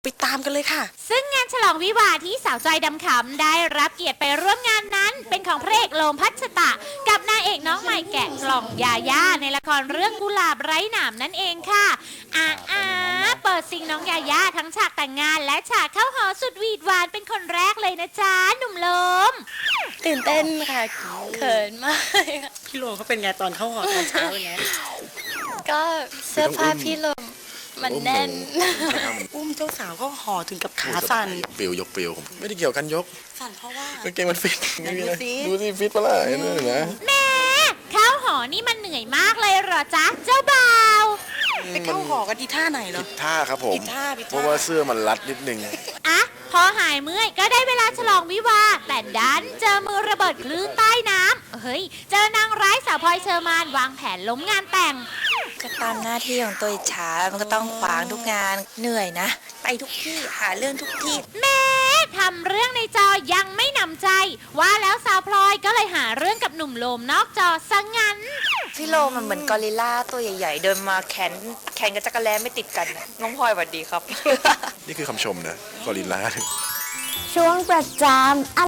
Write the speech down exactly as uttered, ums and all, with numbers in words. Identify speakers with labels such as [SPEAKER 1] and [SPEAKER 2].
[SPEAKER 1] ไปตามกันเลยค่ะ
[SPEAKER 2] ซึ่งงานฉลองวิวาห์ที่สาวจอยดำขำได้รับเกียรติไปร่วมงานนั้นเป็นของพระเอกโลมพัชตะกับนางเอกน้องใหม่แกะกล่องยาย่าในละครเรื่องกุหลาบไร้หนามนั่นเองค่ะอาอาเปิดซิงน้องยาย่าทั้งฉากแต่งงานและฉากเข้าหอสุดหวีดหวานเป็นคนแรกเลยนะจ๊ะหนุ่มโลม
[SPEAKER 3] ตื่นเต้นค่ะเขินมาก
[SPEAKER 1] พี่โลเขาเป็นไงตอนเข้าหอตอนเช้าเป็นไง
[SPEAKER 3] ก็เสื้อผ้าพี่ลมมันแน่น
[SPEAKER 1] อุ้มเจ้าสาวเข้าหอถึงกับขาสั่น
[SPEAKER 4] ยกปิวยกปิวผมไม่ได้เกี่ยวกันยก
[SPEAKER 1] สั่นเพราะว่าก
[SPEAKER 4] างเกงมันฟิตไม่มีอะไร
[SPEAKER 1] ดูสิ
[SPEAKER 4] ดูสิฟิตปะล่ะเห็นไหมนะ
[SPEAKER 2] แม่เข้าหอนี่มันเหนื่อยมากเลยเหรอจ๊ะเจ้าบ่าว
[SPEAKER 1] ไปเข้าหอกันที่ท่าไหนเหรอ
[SPEAKER 4] ผิดท่าครับผม
[SPEAKER 1] ผิดท่าผิดท่า
[SPEAKER 4] เพราะว่าเสื้อมันรัดนิดนึง
[SPEAKER 2] อะพอหายเมื่อยก็ได้เวลาฉลองวิวาห์แต่ดันเจอมือระเบิดคลื่นใต้น้ำเฮ้ยเจอนางร้ายสาวพลอยเชอร์มานวางแผนล้มงานแต่ง
[SPEAKER 3] ก็ตามหน้าที่ของตัวอิจฉามันก็ต้องขวางทุกงานเหนื่อยนะ ไปทุกที่หาเรื่องทุกที่
[SPEAKER 2] แม่ทำเรื่องในจอยังไม่หนำใจ ว่าแล้วสาวพลอยก็เลยหาเรื่องกับหนุ่มโลมนอกจอซะงั้น
[SPEAKER 3] พี่โลมันเหมือนกอริลลาตัวใหญ่ๆ เดินมาแขนแขนกับจักรแลไม่ติดกันน้องพลอยสวัสดีครับ
[SPEAKER 4] นี่คือคำชมนะกอริลลา
[SPEAKER 5] ช่วงประจำ